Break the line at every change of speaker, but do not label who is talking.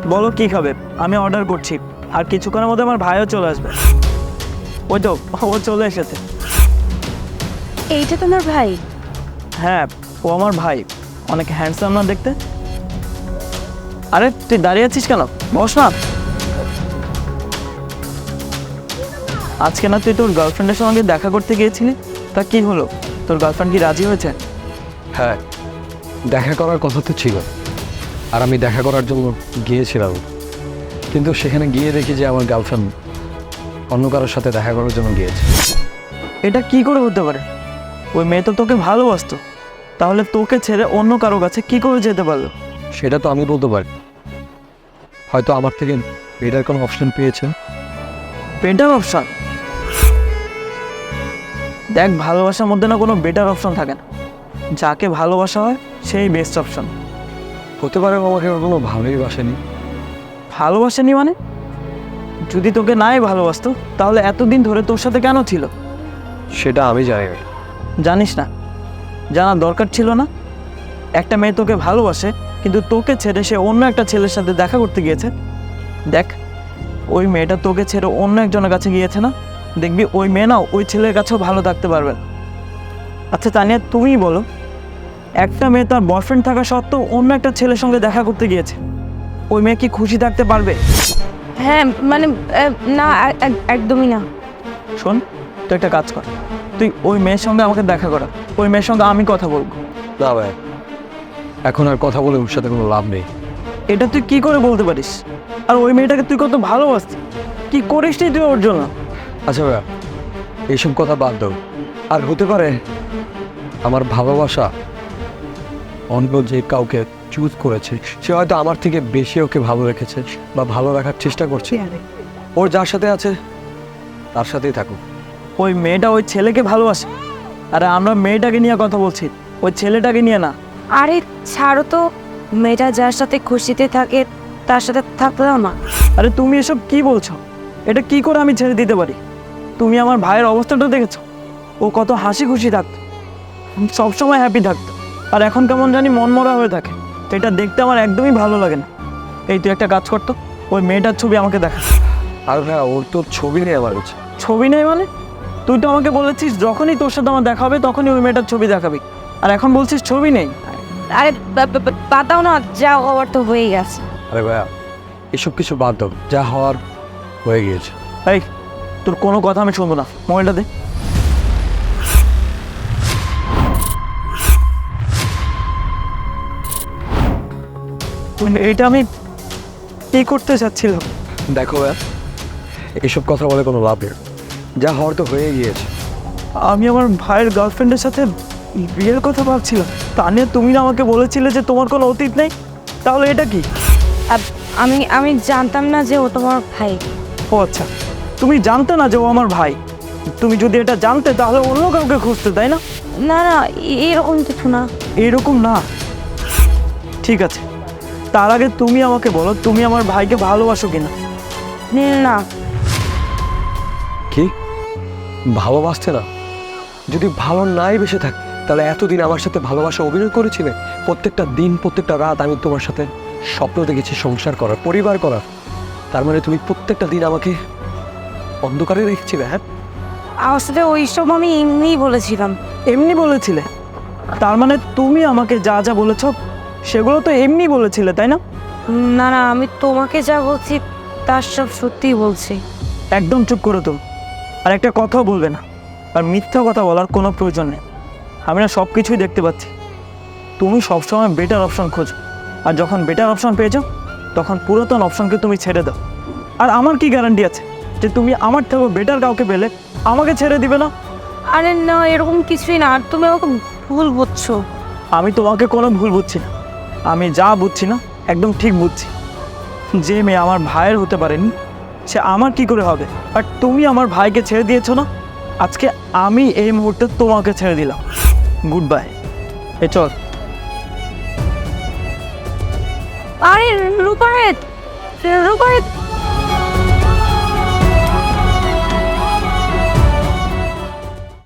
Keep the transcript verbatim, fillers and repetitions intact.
বলো কি খাবে, আমি অর্ডার করছি। আর কিছুক্ষণের মধ্যে আমার ভাইও চলে আসবে। ওই তো ও চলে এসেছে।
এইটা তোমার ভাই?
হ্যাঁ, ও আমার ভাই। অনেক হ্যান্ডসাম না দেখতে? আরে তুই দাঁড়িয়ে আছিস কেন? বস না। আজকে না তুই তোর গার্লফ্রেন্ডের সঙ্গে দেখা করতে গিয়েছিলি, তা কি হলো? তোর গার্লফ্রেন্ড কি রাজি হয়েছে?
হ্যাঁ, দেখা করার কথা তো ছিল, আর আমি দেখা করার জন্য গিয়েছিলাম, কিন্তু সেখানে গিয়ে দেখি যে আমার গার্লফ্রেন্ড অন্য কারোর সাথে দেখা করার জন্য গিয়েছে।
এটা কি করে হতে পারে? ওই মেয়ে তো তোকে ভালোবাসতো, তাহলে তোকে ছেড়ে অন্য কারো কাছে কি করে যেতে পারলো?
সেটা তো আমি বলতে পারি, হয়তো আমার থেকে বেটার কোনো অপশন পেয়েছে।
Better option? দেখ, ভালোবাসার মধ্যে না কোনো বেটার অপশন থাকে না। যাকে ভালোবাসা হয় সেই বেস্ট অপশন।
হতে পারে ও আমাকে কোনো ভালোই বাসেনি।
ভালোবাসেনি মানে? যদি তোকে নাই ভালোবাসতো তাহলে এতদিন ধরে তোর সাথে কেন ছিল?
সেটা আমি জানি না।
জানিস না? জানার দরকার ছিল না। একটা মেয়ে তোকে ভালোবাসে, কিন্তু তোকে ছেড়ে সে অন্য একটা ছেলের সাথে দেখা করতে গিয়েছে। দেখ, ওই মেয়েটা তোকে ছেড়ে অন্য একজনের কাছে গিয়েছে না, দেখবি ওই মেয়ে না ওই ছেলের কাছেও ভালো থাকতে পারবে না। আচ্ছা তানিয়া, তুমিই বলো, একটা মেয়ে তার বয়ফ্রেন্ড থাকা সত্ত্বেও অন্য একটা ছেলের সঙ্গে দেখা করতে গিয়েছে, ওই মেয়ে কি খুশি থাকতে পারবে?
হ্যাঁ মানে আহ, না, এক- এক- একদমই না।
শোন, তুই একটা কাজ কর, তুই ওই মেয়ের সঙ্গে আমাকে দেখা করা, ওই মেয়ের সঙ্গে আমি কথা বলবো।
না ভাই, এখন আর কথা বলে ওর সাথে কোনো লাভ নেই।
এটা তুই কি করে বলতে পারিস? আর ওই মেয়েটাকে তুই কত ভালোবাসতি, কি করিস তুই ওর জন্য?
আচ্ছা ভাইয়া, এইসব কথা বাদ দাও। আর হতে পারে আমার ভালোবাসা অন্য যে কাউকে চুজ করেছে, সে হয়তো আমার থেকে বেশি ওকে ভালো রেখেছে বা ভালো রাখার চেষ্টা করছে। ওর যার সাথে আছে তার সাথেই থাকুক।
ওই মেয়েটা ওই ছেলেকে ভালোবাসে, আরে আমরা মেয়েটাকে নিয়ে কথা বলছি, ওই ছেলেটাকে নিয়ে না।
আরে ছাড়ো তো, মেয়েটা যার সাথে খুশিতে থাকে তার সাথে থাকতে দাও না।
আরে তুমি এসব কি বলছো? এটা কি করে আমি ছেড়ে দিতে পারি? তুমি আমার ভাইয়ের অবস্থাটা দেখেছো? ও কত হাসি খুশি থাকতো, সবসময় হ্যাপি থাকতো, আর এখন কেমন জানি মনমরা হয়ে থাকে। তো এটা দেখতে আমার একদমই ভালো লাগে না। এই তুই একটা কাজ করতো, ওই মেয়েটার ছবি আমাকে দেখা।
আর হ্যাঁ, ওর তো ছবি নেই আমার কাছে।
ছবি নেই মানে? তুই তো আমাকে বলেছিস যখনই তোর সাথে আমার দেখা হবে তখনই ওই মেয়েটার ছবি দেখাবি, আর এখন বলছিস ছবি নেই।
আরে বা- বা- বা- পাতাও না, যা হওয়ার তো হয়ে গেছে।
আরে ভাইয়া, এসব কিছু বাদ দাও, যা হওয়ার হয়ে গিয়েছে।
এই, তোর কোনো কথা আমি শুনবো না, মোবাইলটা দে। এইটা আমি কি করতে চাচ্ছিলাম?
দেখো ভাইয়া, এসব কথা বলে কোনো লাভ নেই, যা হওয়ার তো হয়ে গিয়েছে।
আমি আমার ভাইয়ের গার্লফ্রেন্ডের সাথে বিয়ের কথা ভাবছিলাম। তা নিয়ে তুমি না আমাকে বলেছিলে যে তোমার কোনো অতীত নেই, তাহলে এটা কি?
আব- আমি আমি জানতাম না যে ও তোমার ভাই।
ও আচ্ছা, তুমি জানতে না যে ও আমার ভাই? তুমি যদি এটা জানতে তাহলে অন্য কাউকে খুঁজতে, তাই না?
না না, এ- এরকম কিছু না।
এরকম না? ঠিক আছে, তার আগে তুমি আমাকে বলো, তুমি আমার ভাইকে ভালোবাসো কিনা?
না,
কি ভালোবাসতে না? যদি ভালো নাই বেসে থাক তাহলে এতদিন আমার সাথে ভালোবাসা অভিনয় করেছিলে। প্রত্যেকটা দিন প্রত্যেকটা রাত আমি তোমার সাথে স্বপ্ন দেখেছি সংসার করার, পরিবার করার। তার মানে তুমি প্রত্যেকটা দিন আমাকে অন্ধকারে রেখেছিলে? হ্যাঁ,
আসলে ওইসব আমি এমনিই বলেছিলাম।
এমনি বলেছিলে? তার মানে তুমি আমাকে যা যা বলেছো সেগুলো তো এমনি বলেছিলে, তাই না?
না না, আমি তোমাকে যা বলছি তার সব সত্যিই বলছি।
একদম চুপ করো তুমি, আর একটা কথাও বলবে না। আর মিথ্যা কথা বলার কোনো প্রয়োজন নেই। আমি না সব কিছুই দেখতে পাচ্ছি। তুমি সবসময় বেটার অপশন খোঁজো, আর যখন বেটার অপশন পেয়েছো তখন পুরাতন অপশনকে তুমি ছেড়ে দাও। আর আমার কি গ্যারান্টি আছে যে তুমি আমার থেকেও বেটার কাউকে পেলে আমাকে ছেড়ে দিবে না?
আরে না, এরকম কিছুই না, আর তুমি আমাকে ভুল বুঝছো।
আমি তোমাকে কোনো ভুল বুঝছি না, আমি যা বুঝছি না একদম ঠিক বুঝছি। যে মেয়ে আমার ভাইয়ের হতে পারেনি সে আমার কি করে হবে? আর তুমি আমার ভাইকে ছেড়ে দিয়েছো না, আজকে আমি এই মুহূর্তে তোমাকে ছেড়ে দিলাম। Good bye. এ চল।
আরে রূপারেত, রূপারেত